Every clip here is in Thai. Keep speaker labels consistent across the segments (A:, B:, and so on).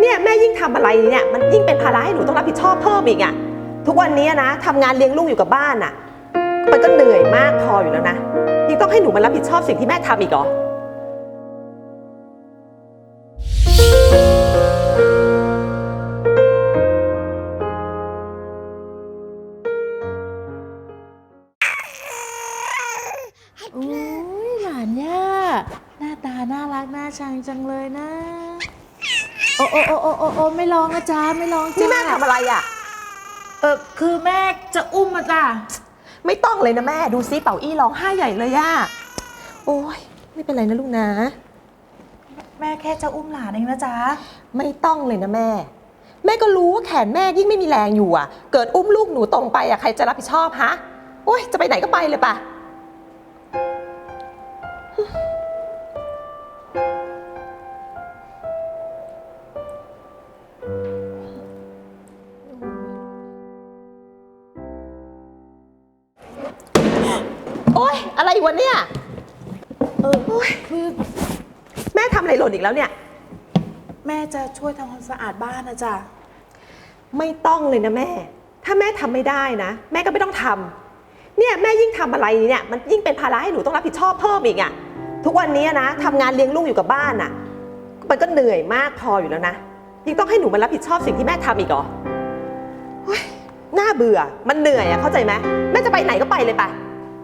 A: เนี่ยแม่ยิ่งทำอะไรเนี่ยมันยิ่งเป็นภาระให้หนูต้องรับผิดชอบเพิ่มอีกอะทุกวันนี้นะทำงานเลี้ยงลูกอยู่กับบ้านอะมันก็เหนื่อยมากพออยู่แล้วนะยิ่งต้องให้หนูมารับผิดชอบสิ่งที่แม่ทำอีกเหรอ
B: โอ้ยหลานย่าหน้าตาน่ารักน่าชังจังเลยนะโอ้ไม่ร้องนะจ๊ะไม่ร้องจ้า
A: นี่แม่ทำอะไรอะ
B: คือแม่จะอุ้มมาจ้ะ
A: ไม่ต้องเลยนะแม่ดูซิเป่าอี้ร้องไห้ใหญ่เลยอะโอ้ยไม่เป็นไรนะลูกนะ
B: แม่แค่จะอุ้มหลานเองนะจ๊ะ
A: ไม่ต้องเลยนะแม่แม่ก็รู้ว่าแขนแม่ยิ่งไม่มีแรงอยู่อะเกิดอุ้มลูกหนูตรงไปอะใครจะรับผิดชอบฮะโอ้ยจะไปไหนก็ไปเลยปะโอ๊ยอะไรวะเนี่ย
B: คือ
A: แม่ทำอะไรหล่นอีกแล้วเนี่ย
B: แม่จะช่วยทำความสะอาดบ้านนะจ๊ะ
A: ไม่ต้องเลยนะแม่ถ้าแม่ทำไม่ได้นะแม่ก็ไม่ต้องทำเนี่ยแม่ยิ่งทำอะไรเนี่ยมันยิ่งเป็นภาระให้หนูต้องรับผิดชอบเพิ่มอีกอะทุกวันนี้นะทำงานเลี้ยงลูกอยู่กับบ้านอะมันก็เหนื่อยมากพออยู่แล้วนะยิ่งต้องให้หนูมารับผิดชอบสิ่งที่แม่ทำอีกเหรอเฮ้ยน่าเบื่อมันเหนื่อยอะเข้าใจไหมแม่จะไปไหนก็ไปเลยไป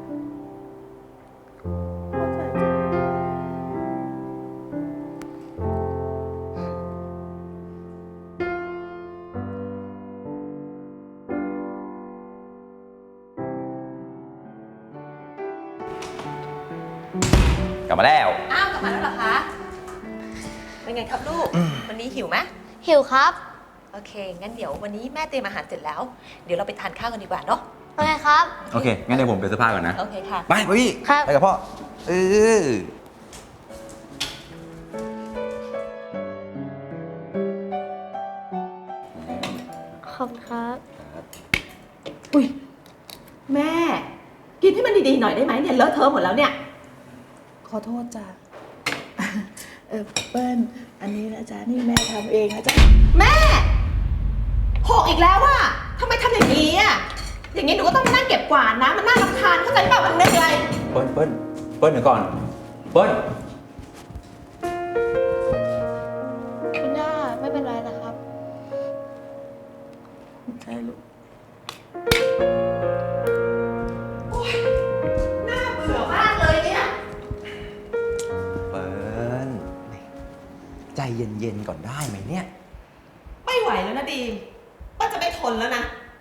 C: กลับมาแล้ว
A: อ้าวกลับมาแล้วเหรอคะเป็นไงครับลูกวันนี้หิวไหม
D: หิวครับ
A: โอเคงั้นเดี๋ยววันนี้แม่เตรียมอาหารเสร็จแล้วเดี๋ยวเราไปทานข้าวกันดีกว่าเนาะ
D: โอเคครับ
C: โอเคงั้นเดี๋ยวผมไปเสื้อผ้าก่อนนะ
A: โอเคค่ะ
C: ไปพี่
D: ครับ
C: ไปกับพ่อ
D: ขอบคุณครับ
A: อุ้ยแม่กินให้มันดีๆหน่อยได้ไหมเนี่ยเลอะเทอะหมดแล้วเนี่ย
B: ขอโทษจ้ะเปิ้ลอันนี้นะจ๊ะนี่แม่ทำเองนะจ๊ะ
A: แม่หกอีกแล้วอะทำไมทำอย่างนี้อะอย่างนี้หนูก็ต้องมานั่งเก็บกวาดนะมันน่ารำคาญเข้าใจเปล่ามันเหนื่อย
C: เปิ้ลเดี๋ยวก่อนเปิ้ล
D: คุณย่าไม่เป็นไรนะครับ
B: ใช่ลูก
A: น่าเบื่อมากเลยเนี่ย
C: เปิ้ลใจเย็นๆก่อนได้ไหมเนี่ย
A: ไม่ไหวแล้วนะดีมป้าจะไม่ทนแล้วนะ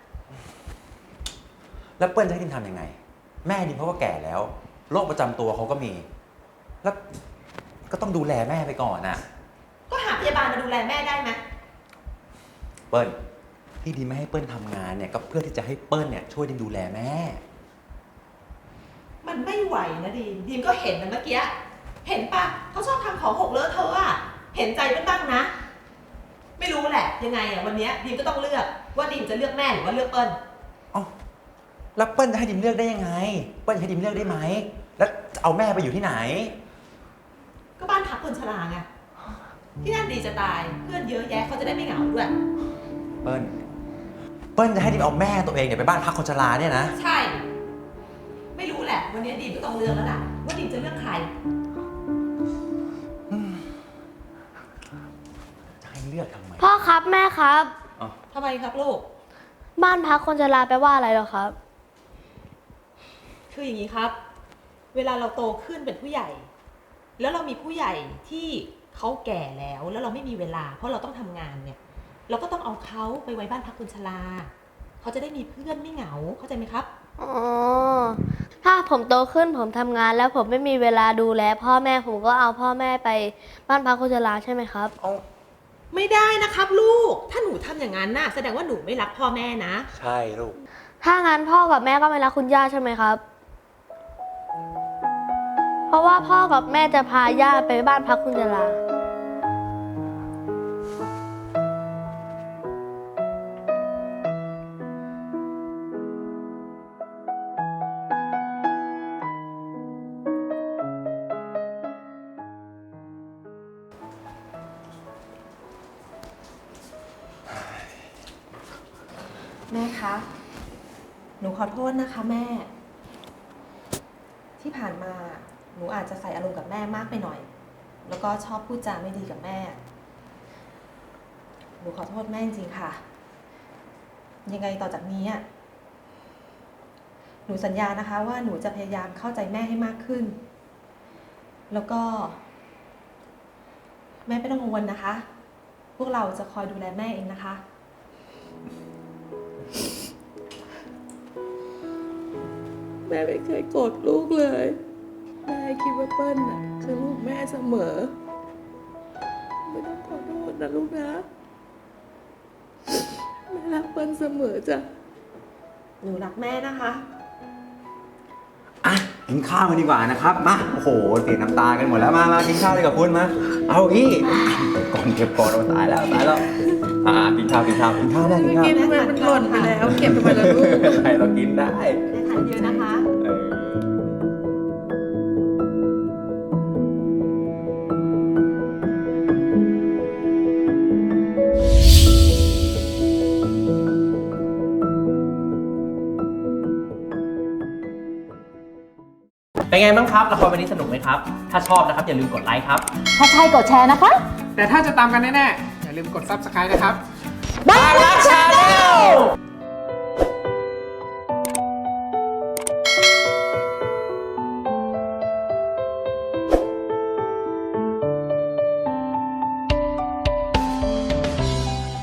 C: แล้วเปิ้ลจะให้ดิมทำยังไงแม่ดิมเขาก็แก่แล้วโรคประจำตัวเขาก็มีแล้วก็ต้องดูแลแม่ไปก่อนน่ะ
A: ก็หาพยาบาลมาดูแลแม่ได้ไหม
C: เปิ้ลที่ดิมไม่ให้เปิ้ลทำงานเนี่ยก็เพื่อที่จะให้เปิ้ลเนี่ยช่วยดิมดูแลแม่
A: มันไม่ไหวนะดีมก็เห็นนะเมื่อกี้เห็นปะเขาชอบทำของหกเลอะเทอะอะเห็นใจเปิ้ลบ้างนะไม่รู้แหละยังไงอะวันนี้ดีมก็ต้องเลือกว่าดีมจะเลือกแม่หรือว่าเลือกเปิ้ล
C: อ๋อแล้วเปิ้ลจะให้ดิมเลือกได้ยังไงเปิ้ลจะให้ดิมเลือกได้ไหมแล้วจะเอาแม่ไปอยู่ที่ไหน
A: ก็บ้านพักคนชราไงที่นั่นดีจะตายเพื่อนเยอะแยะเขาจะได้ไม่เหงาด้วย
C: เปิ้ลจะให้ดิมเอาแม่ตัวเองเนี่ยไปบ้านพักคนชราเนี่ยนะ
A: ใช่ไม่รู้แหละวันนี้ดีมก็ต้องเลือกแล้วล่ะว่าดีมจะเลือกใคร
C: จะให้เลือกทำไม
D: พ่อครับแม่ครับ
A: ทำไมครับลูก
D: บ้านพักคนชราแปลว่าอะไรเหรอครับ
A: คืออย่างนี้ครับเวลาเราโตขึ้นเป็นผู้ใหญ่ แล้วเรามีผู้ใหญ่ที่เขาแก่แล้วเราไม่มีเวลาเพราะเราต้องทำงานเนี่ยเราก็ต้องเอาเขาไปไว้บ้านพักคนชราเขาจะได้มีเพื่อนไม่เหงาเข้าใจไหมครับ
D: อ๋อถ้าผมโตขึ้นผมทำงานแล้วผมไม่มีเวลาดูแลพ่อแม่ผมก็เอาพ่อแม่ไปบ้านพักคนชราใช่ไหมครับ
A: ไม่ได้นะครับลูกถ้าหนูทำอย่างนั้นน่ะแสดงว่าหนูไม่รักพ่อแม่นะ
C: ใช่ลูก
D: ถ้างั้นพ่อกับแม่ก็ไม่รักคุณย่าใช่ไหมครับเพราะว่าพ่อกับแม่จะพาย่าไปบ้านพักคนชรา
A: แม่คะ หนูขอโทษนะคะแม่ ที่ผ่านมาหนูอาจจะใส่อารมณ์กับแม่มากไปหน่อย แล้วก็ชอบพูดจาไม่ดีกับแม่ หนูขอโทษแม่จริงๆค่ะ ยังไงต่อจากนี้อะหนูสัญญานะคะว่าหนูจะพยายามเข้าใจแม่ให้มากขึ้น แล้วก็ แม่ไม่ต้องกังวลนะคะ พวกเราจะคอยดูแลแม่เองนะคะ
B: แม่ไม่เคยโกรธลูกเลย แม่คิดว่าเปิ้ลน่ะคือลูกแม่เสมอ ไม่ต้องขอโทษนะลูกนะ แม่รักเปิ้ลเสมอจ้ะ
A: หนูรักแม่นะคะ
C: อ่ะกินข้าวกันดีกว่านะครับ มา โอ้โหเสียน้ำตากันหมดแล้ว มากินข้าวเลยกับคุณมา เอาอีกเก็บก่อนเราตายแล้วกินข้าวได้กินข้าว
B: กินทำไมมันหล่นไปแล้ว เก็บทำไมล่ะลูก
C: ให้เรากินได้
A: แม่ทานเยอะนะคะ
C: เออ
E: เป็นไงบ้างครับละครวันนี้สนุกไหมครับ ถ้าชอบนะครับอย่าลืมกดไลค์ครับ
F: ถ้าใช่กดแชร์นะคะ
G: แต่ถ้าจะตามกันแน่ๆ อย่าลืมกด Subscribe นะครับ
F: บ้านรักชาแนล